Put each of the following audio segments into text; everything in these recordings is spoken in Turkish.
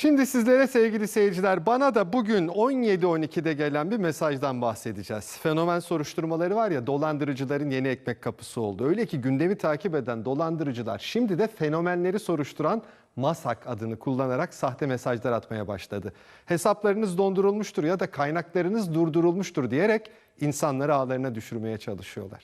Şimdi sizlere sevgili seyirciler, bana da bugün 17.12'de gelen bir mesajdan bahsedeceğiz. Fenomen soruşturmaları var ya, dolandırıcıların yeni ekmek kapısı oldu. Öyle ki gündemi takip eden dolandırıcılar şimdi de fenomenleri soruşturan MASAK adını kullanarak sahte mesajlar atmaya başladı. Hesaplarınız dondurulmuştur ya da kaynaklarınız durdurulmuştur diyerek insanları ağlarına düşürmeye çalışıyorlar.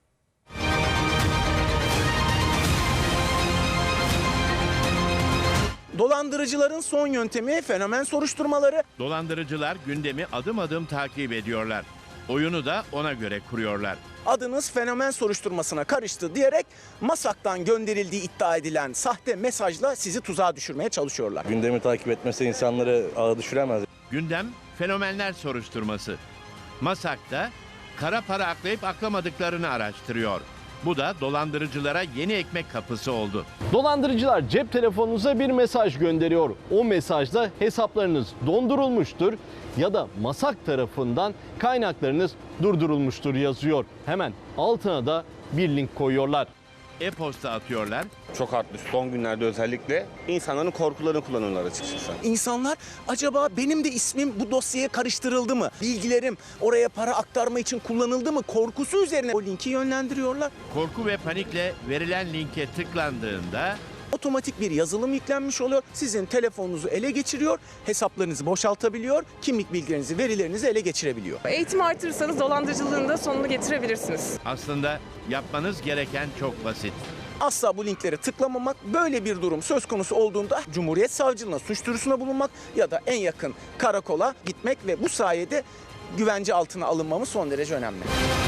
Dolandırıcıların son yöntemi fenomen soruşturmaları. Dolandırıcılar gündemi adım adım takip ediyorlar. Oyunu da ona göre kuruyorlar. Adınız fenomen soruşturmasına karıştı diyerek MASAK'tan gönderildiği iddia edilen sahte mesajla sizi tuzağa düşürmeye çalışıyorlar. Gündemi takip etmesi insanları ağa düşüremez. Gündem fenomenler soruşturması. MASAK'ta kara para aklayıp aklamadıklarını araştırıyor. Bu da dolandırıcılara yeni ekmek kapısı oldu. Dolandırıcılar cep telefonunuza bir mesaj gönderiyor. O mesajda hesaplarınız dondurulmuştur ya da MASAK tarafından kaynaklarınız durdurulmuştur yazıyor. Hemen altına da bir link koyuyorlar. E-posta atıyorlar. Çok arttı son günlerde, özellikle insanların korkularını kullanıyorlar açıkçası. İnsanlar acaba benim de ismim bu dosyaya karıştırıldı mı? Bilgilerim oraya para aktarma için kullanıldı mı? Korkusu üzerine o linki yönlendiriyorlar. Korku ve panikle verilen linke tıklandığında Otomatik bir yazılım yüklenmiş oluyor. Sizin telefonunuzu ele geçiriyor, hesaplarınızı boşaltabiliyor, kimlik bilgilerinizi, verilerinizi ele geçirebiliyor. Eğitim artırırsanız dolandırıcılığın da sonunu getirebilirsiniz. aslında yapmanız gereken çok basit. Asla bu linkleri tıklamamak, böyle bir durum söz konusu olduğunda Cumhuriyet Savcılığına suç duyurusunda bulunmak ya da en yakın karakola gitmek ve bu sayede güvence altına alınmamız son derece önemli.